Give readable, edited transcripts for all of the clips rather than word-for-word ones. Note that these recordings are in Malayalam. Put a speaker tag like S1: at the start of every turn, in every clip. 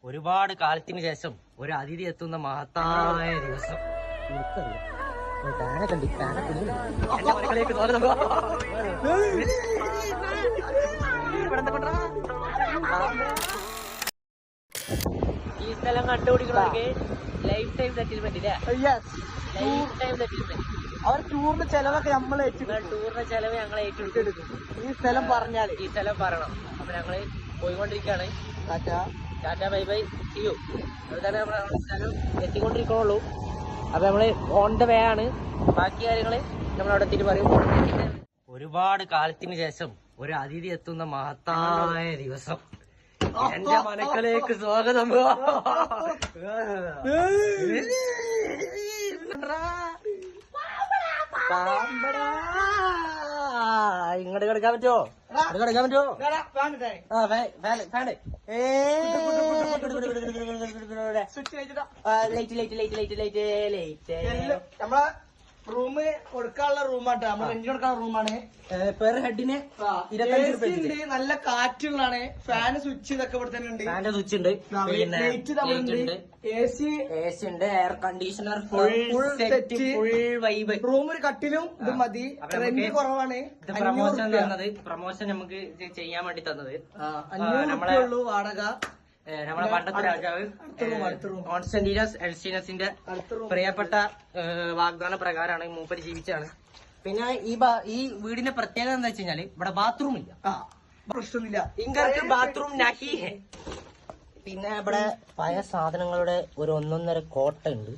S1: ഒരുപാട് കാലത്തിന് ശേഷം ഒരു അതിഥി എത്തുന്ന മഹത്തായ ദിവസം. ഈ സ്ഥലം കണ്ടുപിടിക്കണമെങ്കിൽ ലൈഫ് ടൈം സെറ്റിൽമെന്റ് ഇല്ലേ? Life time settlement.
S2: അവർ ടൂറിന്റെ ചെലവൊക്കെ നമ്മൾ
S1: ടൂറിന്റെ ചെലവ് ഞങ്ങൾ ഏറ്റെടുക്കും.
S2: ഈ സ്ഥലം പറഞ്ഞാല്
S1: ഈ സ്ഥലം പറയണം. അപ്പൊ ഞങ്ങള് പോയിക്കൊണ്ടിരിക്കുകയാണ്. ടാറ്റ ബൈ ബൈ ചെയ്യൂ. അതുതന്നെ നമ്മൾ സ്ഥലം എത്തിക്കൊണ്ടിരിക്കണുള്ളൂ. അപ്പൊ നമ്മള് ഓൺ ദ വേ ആണ്. ബാക്കി കാര്യങ്ങള് നമ്മളവിടെ എത്തിയിട്ട് പറയും. ഒരുപാട് കാലത്തിന് ശേഷം ഒരു അതിഥി എത്തുന്ന മഹത്തായ ദിവസം. എന്റെ മനക്കലേക്ക് സ്വാഗതം. ഇങ്ങോട്ട് കിടക്കാൻ പറ്റുമോ? കിടക്കാൻ പറ്റുമോ?
S2: നമ്മളെ റൂം കൊടുക്കാനുള്ള റൂമാട്ടോ. നമ്മൾ റെന്റ് കൊടുക്കാനുള്ള റൂമാണ്.
S1: പെർ ഹെഡിന് 25
S2: നല്ല കാറ്റുള്ളതാണ്. ഫാന് സ്വിച്ച് ഇതൊക്കെ ഇവിടെ തന്നെ ഉണ്ട്.
S1: ഫാന്റെ സ്വിച്ച് ഉണ്ട്. പിന്നെ
S2: AC
S1: ഉണ്ട്. Air conditioner full set, full vibe.
S2: Room ഒരു കട്ടിലും ഇത് മതി. റെന്റ് കുറവാണ്.
S1: പ്രൊമോഷൻ തന്നത്, പ്രൊമോഷൻ നമുക്ക് ചെയ്യാൻ വേണ്ടി തന്നത്.
S2: 500 ഉള്ളൂ വാടക.
S1: നമ്മളെ പണ്ടത്തെ രാജാവ് കോൺസ്റ്റന്റീനസ് എൽസ്റ്റീനസിന്റെ പ്രിയപ്പെട്ട വാഗ്ദാന പ്രകാരമാണ് മൂപ്പര് ജീവിച്ചാണ്. പിന്നെ ഈ വീടിന്റെ പ്രത്യേകത എന്താ വെച്ച് കഴിഞ്ഞാല് ഇവിടെ ബാത്റൂം ഇല്ല.
S2: പ്രശ്നമില്ല.
S1: ഇങ്ങനത്തെ ബാത്റൂം നഹി ഹെ. പിന്നെ ഇവിടെ പഴയ സാധനങ്ങളുടെ ഒരു 1.5 കോട്ട ഉണ്ട്.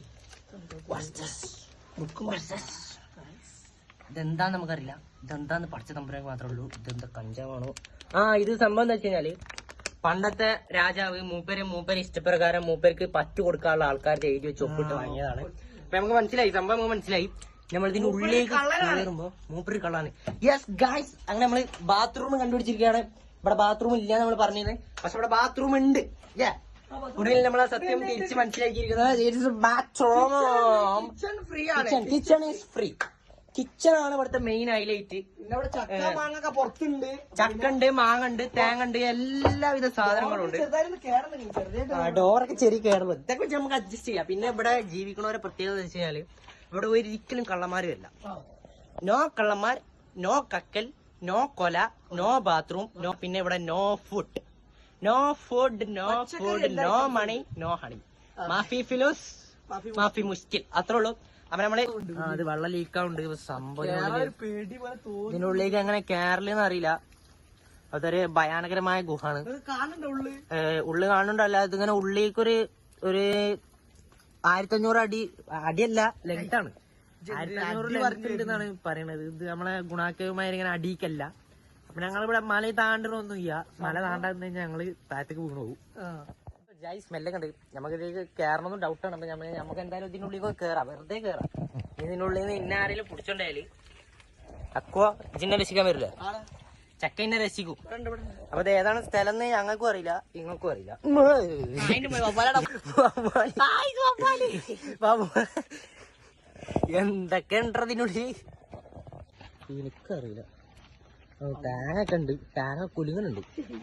S1: ഇതെന്താന്ന് നമുക്കറിയില്ല. ഇതെന്താന്ന് പഠിച്ച തമ്പുരാൻ മാത്രമേ ഉള്ളൂ. ഇതെന്താ കഞ്ചാവാണോ? ഇത് സംഭവം എന്താ വെച്ച് കഴിഞ്ഞാല് പണ്ടത്തെ രാജാവ് മൂപ്പര് ഇഷ്ടപ്രകാരം മൂപ്പർക്ക് പറ്റു കൊടുക്കാനുള്ള ആൾക്കാരുടെ എഴുതി വെച്ച് ഒപ്പിട്ട് വാങ്ങിയതാണ്. അപ്പൊ നമുക്ക് മനസ്സിലായി, സംഭവം നമുക്ക് മനസ്സിലായി. നമ്മൾ ഇതിന്റെ ഉള്ളിലേക്ക് കയറുമ്പോ മൂപ്പര് കള്ളാണ്. യെസ് ഗായ്സ്, അങ്ങനെ നമ്മള് ബാത്റൂം കണ്ടുപിടിച്ചിരിക്കുകയാണ്. ഇവിടെ ബാത്റൂം ഇല്ല നമ്മൾ പറഞ്ഞത്, പക്ഷെ ഇവിടെ ബാത്റൂം ഉണ്ട്. ഉടനെ നമ്മളെ സത്യം തിരിച്ച് മനസ്സിലാക്കിയിരിക്കുന്നത് bathroom kitchen is free. Kitchen ആണ് ഇവിടുത്തെ മെയിൻ ഹൈലൈറ്റ്.
S2: പുറത്തുണ്ട്.
S1: ചക്കുണ്ട്, മാങ്ങണ്ട്, തേങ്ങണ്ട്, എല്ലാവിധ സാധനങ്ങളും ഉണ്ട്. ഡോറൊക്കെ ചെറിയ കയറുന്നത് ഇതൊക്കെ വെച്ച് നമുക്ക് അഡ്ജസ്റ്റ് ചെയ്യാം. പിന്നെ ഇവിടെ ജീവിക്കണവരെ പ്രത്യേകത വെച്ച് കഴിഞ്ഞാല് ഇവിടെ ഒരിക്കലും കള്ളന്മാര് വരില്ല. നോ കള്ളന്മാർ, നോ കക്കൽ, നോ കൊല, നോ ബാത്റൂം, നോ. പിന്നെ ഇവിടെ no food, no food, no food, no money, no honey. മാഫി ഫിലോസ്, മാഫി മുസ്കിൽ. അത്രേ ഉള്ളൂ. അപ്പൊ നമ്മള് അത് വെള്ളം ലീക്കാവുണ്ട്. സംഭവം ഇതിനുള്ളിലേക്ക് എങ്ങനെ കേരളീന്ന് അറിയില്ല. അതൊരു ഭയാനകരമായ ഗുഹാണ്. ഉള്ളു കാണുന്നുണ്ടല്ല. ഇതിങ്ങനെ ഉള്ളിലേക്കൊരു 1500 അടിയല്ല, ലെങ്താണ്. 1500 ലെങ്ത് ഉണ്ടെന്നാണ് പറയണത്. ഇത് നമ്മളെ ഗുണാക്കവുമായി ഇങ്ങനെ അടിക്കല്ല. അപ്പൊ ഞങ്ങളിവിടെ മല താണ്ടണമൊന്നും ഇല്ല. മല താണ്ടാന്ന് കഴിഞ്ഞാൽ ഞങ്ങള് താഴത്തേക്ക് വീണു പോകും. സ്മെല്ലൊക്കെ ഉണ്ട്. നമുക്ക് ഇതിലേക്ക് കയറണമെന്നും ഡൗട്ടാണ്. അപ്പൊ നമുക്ക് എന്തായാലും ഇതിനുള്ളിൽ കയറാം, വെറുതെ കയറാം. ഇതിനുള്ളിൽ നിന്ന് ഇന്ന ആരെങ്കിലും പിടിച്ചോണ്ടായാല് അക്വ ഇതിനെ രസിക്കാൻ വരില്ല, ചക്ക ഇന്നെ രസിക്കും. അപ്പൊ ഇത് ഏതാണ് സ്ഥലം എന്ന് ഞങ്ങൾക്കും അറിയില്ല, നിങ്ങൾക്കും അറിയില്ല. എന്തൊക്കെ ഉണ്ടതിനുള്ളിൽ എനിക്കറിയില്ല. തേങ്ങൊക്കെ ഉണ്ട്. തേങ്ങ കുലുങ്ങനുണ്ട്.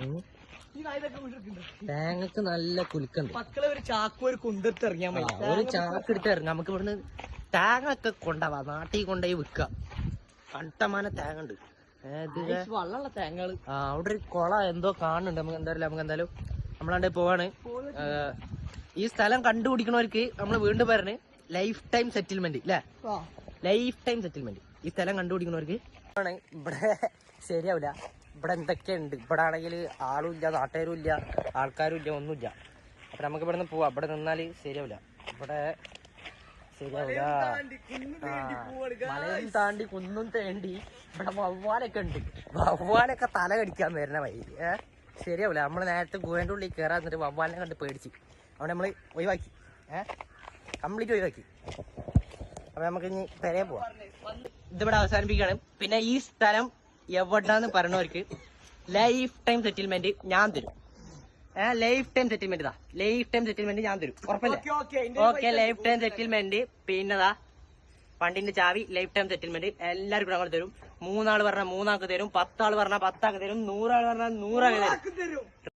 S1: തേങ്ങക്ക് നല്ല കുലുക്കുണ്ട്.
S2: ഒരു ചാക്ക് ഒരു കുന്തിട്ട് ഇറങ്ങിയാൽ മതി.
S1: ഒരു ചാക്ക് എടുത്ത് ഇറങ്ങാം. നമുക്ക് ഇവിടുന്ന് തേങ്ങ ഒക്കെ കൊണ്ടുപോവാ, നാട്ടിൽ കൊണ്ടുപോയി വിൽക്കാം. കണ്ടമാന തേങ്ങ ഉണ്ട്.
S2: വള്ളമുള്ള തേങ്ങകള്.
S1: അവിടെ ഒരു കുള എന്തോ കാണുന്നുണ്ട്. നമുക്ക് എന്തായാലും നമ്മളാണ്ട് പോവാണ്. ഈ സ്ഥലം കണ്ടുപിടിക്കണവർക്ക് നമ്മൾ വീണ്ടും പറഞ്ഞ് ലൈഫ് ടൈം സെറ്റിൽമെന്റ് അല്ലേ? Life time settlement. ഈ സ്ഥലം കണ്ടുപിടിക്കണവർക്ക് ആണ്. ഇവിടെ ശരിയാവില്ല. ഇവിടെ എന്തൊക്കെയുണ്ട്. ഇവിടെ ആണെങ്കിൽ ആളും ഇല്ല, നാട്ടുകാരും ഇല്ല, ആൾക്കാരും ഇല്ല, ഒന്നുമില്ല. അപ്പൊ നമുക്ക് ഇവിടെ നിന്ന് പോവാം. ഇവിടെ നിന്നാല് ശരിയാവില്ല. ഇവിടെ ശരിയാവില്ല. മലയും താണ്ടി കുന്നും തേണ്ടി ഇവിടെ വവ്വാലൊക്കെ ഉണ്ട്. വവ്വാലൊക്കെ തല കടിക്കാൻ വരുന്ന വഴി. ശരിയാവില്ല. നമ്മള് നേരത്തെ ഗുഹേന്റെ ഉള്ളിൽ കയറാൻ എന്നിട്ട് വവ്വാലിനെ കണ്ട് പേടിച്ച് അവിടെ നമ്മള് ഒഴിവാക്കി. കംപ്ലീറ്റ് ഒഴിവാക്കി. അപ്പൊ നമുക്ക് ഇനി പെരേ പോവാം. ഇതിവിടെ അവസാനിപ്പിക്കുകയാണ്. പിന്നെ ഈ സ്ഥലം എവിടാന്ന് പറഞ്ഞവർക്ക് ലൈഫ് ടൈം സെറ്റിൽമെന്റ് ഞാൻ തരും. Life time settlement life time settlement ഞാൻ തരും. ഉറപ്പല്ലേ? Okay, life time settlement. പിന്നെതാ വണ്ടിന്റെ ചാവി, ലൈഫ് ടൈം സെറ്റിൽമെന്റ് എല്ലാവർക്കും ഞങ്ങൾ തരും. 3 ആള് പറഞ്ഞാൽ 3 ആൾക്ക് തരും, 10 ആള് പറഞ്ഞാൽ 10 ആൾക്ക് തരും, 100 ആള് പറഞ്ഞാൽ 100 ആൾക്ക് തരും.